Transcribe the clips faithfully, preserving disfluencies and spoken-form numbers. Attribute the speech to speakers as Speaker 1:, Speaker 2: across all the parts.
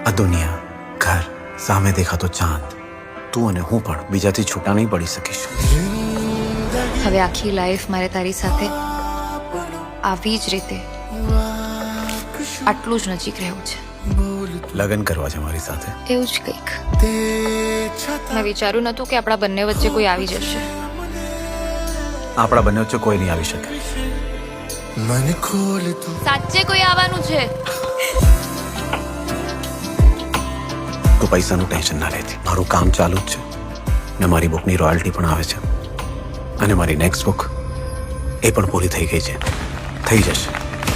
Speaker 1: આ દુનિયા, ઘર, સામે દેખાતો ચાંદ, તું અને હું પણ બીજાથી છૂટા નહીં પડી શકીશું.
Speaker 2: હવે આખી લાઈફ મારે તારી સાથે આવી જ રીતે આટલું જ નજીક રહેવું છે.
Speaker 1: લગ્ન કરવા છે મારી સાથે.
Speaker 2: એવું જ કંઈક. મેં વિચાર્યું નતું કે આપણા બંને વચ્ચે કોઈ આવી જશે.
Speaker 1: આપણા બંને વચ્ચે કોઈ નહીં આવી શકે.
Speaker 3: मन खोल तू
Speaker 2: સાચે કોઈ આવવાનું છે.
Speaker 1: તું પૈસાનું ટેન્શન ના લેતી. મારું કામ ચાલુ જ છે ને મારી બુકની રોયલ્ટી પણ આવે છે અને મારી નેક્સ્ટ બુક એ પણ પૂરી થઈ ગઈ છે. થઈ જશે.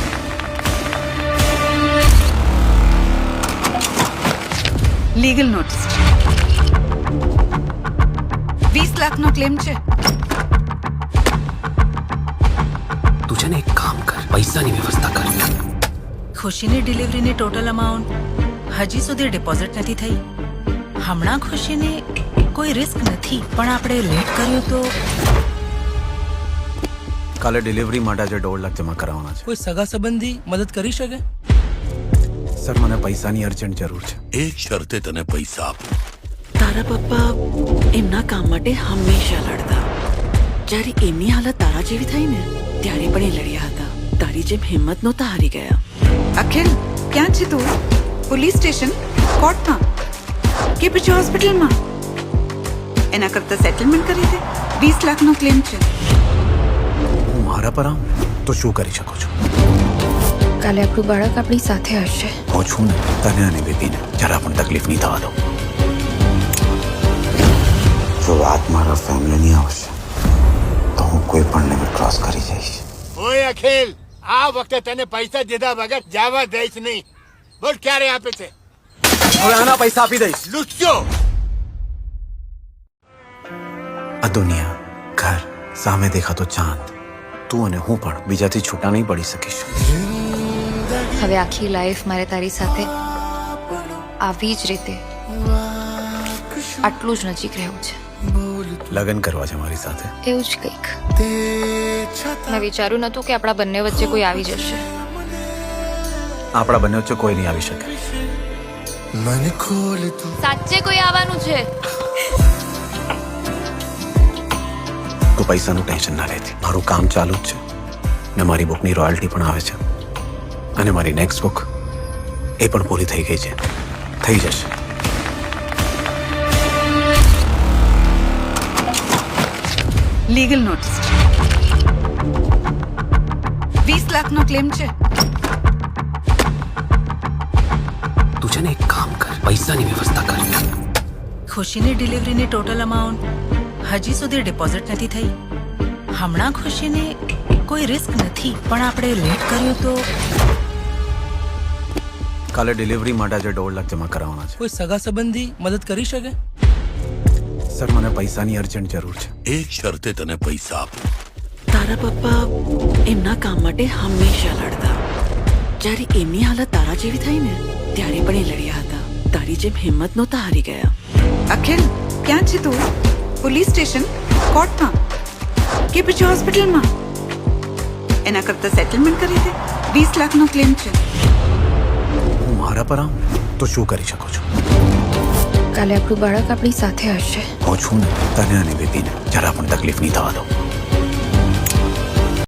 Speaker 4: લીગલ નોટિસ વીસ લાખનો ક્લેમ છે.
Speaker 1: તું છે ને એક કામ કર, પૈસાની વ્યવસ્થા કર.
Speaker 4: ખુશીની ડિલિવરીની ટોટલ અમાઉન્ટ હજી સુધી ડિપોઝિટ નથી થઈ. હમણાં ખુશીને કોઈ રિસ્ક નથી, પણ આપણે લેટ કર્યું તો
Speaker 1: કાલે ડિલિવરી માટે આજે દોઢ લાખ જમા કરાવવાના છે.
Speaker 5: કોઈ સગા સંબંધી મદદ કરી શકે?
Speaker 1: સર, મને પૈસાની અર્જન્ટ જરૂર છે.
Speaker 6: એક શરતે તને પૈસા આપું.
Speaker 7: તારા પપ્પા એમના કામ માટે હંમેશા લડતા. જ્યારે એમની હાલત તારા જેવી થઈ ને ત્યારે પણ એ લડ્યા હતા. તારી જેમ હિંમત નહોતા હારી ગયા.
Speaker 4: અખિલ, ક્યાં છે તું? પોલીસ સ્ટેશન, કોર્ટમાં કે પછી હોસ્પિટલમાં? એના કરતા સેટલમેન્ટ કરી દે. વીસ લાખનો ક્લેમ છે.
Speaker 1: હું મારા પર આવું તો શું કરી શકું છું?
Speaker 2: કાલે આપણું બાળક આપણી સાથે હશે.
Speaker 1: હું છું ને, તને અને બેબીને જરા પણ તકલીફ નહીં થવા દઉં. જો વાત મારા ફેમિલીની આવશે તો હું કોઈ પણ લિમિટ ક્રોસ કરી જઈશ.
Speaker 8: ઓય અખિલ, આ વખતે તને પૈસા દીધા વગર જવા દઈશ નહીં. બોલ ક્યારે આપે છે?
Speaker 1: હવે આના પૈસા આપી દઈશ.
Speaker 8: લુચ્ચો!
Speaker 1: આ દુનિયા, ઘર, સામે દેખાતો ચાંદ, તું અને હું પણ બીજાથી છૂટા નહીં પડી શકીશું.
Speaker 2: હવે આખી લાઈફ મારે તારી સાથે આવી જ રીતે આટલું જ નજીક રહેવું છે.
Speaker 1: લગ્ન કરવા છે મારી સાથે.
Speaker 2: એવું જ કંઈક. મેં વિચાર્યું નતું કે આપણા બંને વચ્ચે કોઈ આવી જશે.
Speaker 1: આપણા બંને વચ્ચે કોઈ નહીં આવી શકે.
Speaker 3: मन खोल तू
Speaker 2: સાચે કોઈ આવવાનું છે.
Speaker 1: તું પૈસાનું ટેન્શન ના લેતી. મારું કામ ચાલુ જ છે ને મારી બુકની રોયલ્ટી પણ આવે છે અને મારી નેક્સ્ટ બુક એ પણ પૂરી થઈ ગઈ છે. થઈ જશે.
Speaker 4: લીગલ નોટિસ વીસ લાખનો ક્લેમ છે.
Speaker 1: તું છે ને એક કામ કર, પૈસાની વ્યવસ્થા કર.
Speaker 4: ખુશીની ડિલિવરીની ટોટલ અમાઉન્ટ હજી સુધી ડિપોઝિટ નથી થઈ. હમણાં ખુશીને કોઈ રિસ્ક નથી, પણ આપણે લેટ કર્યું તો
Speaker 1: કાલે ડિલિવરી માટે આજે દોઢ લાખ જમા કરાવવાના છે.
Speaker 5: કોઈ સગા સંબંધી મદદ કરી શકે?
Speaker 1: સર, મને પૈસાની અર્જન્ટ જરૂર છે.
Speaker 6: એક શરતે તને પૈસા આપું.
Speaker 7: તારા પપ્પા એમના કામ માટે હંમેશા લડતા. જ્યારે એમની હાલત તારા જેવી થઈ ને ત્યારે પણ એ લડ્યા હતા. તારી જેમ હિંમત નહોતા હારી ગયા.
Speaker 4: અખિલ, ક્યાં છે તું? પોલીસ સ્ટેશન, કોર્ટમાં કે પછી હોસ્પિટલમાં? એના કરતા સેટલમેન્ટ કરી દે. વીસ લાખનો ક્લેમ છે.
Speaker 1: હું મારા પર આવું તો શું કરી શકું છું?
Speaker 2: કાલે આપણું બાળક આપણી સાથે હશે.
Speaker 1: હું છું ને, તને અને બેબીને જરા પણ તકલીફ નહીં થવા દઉં.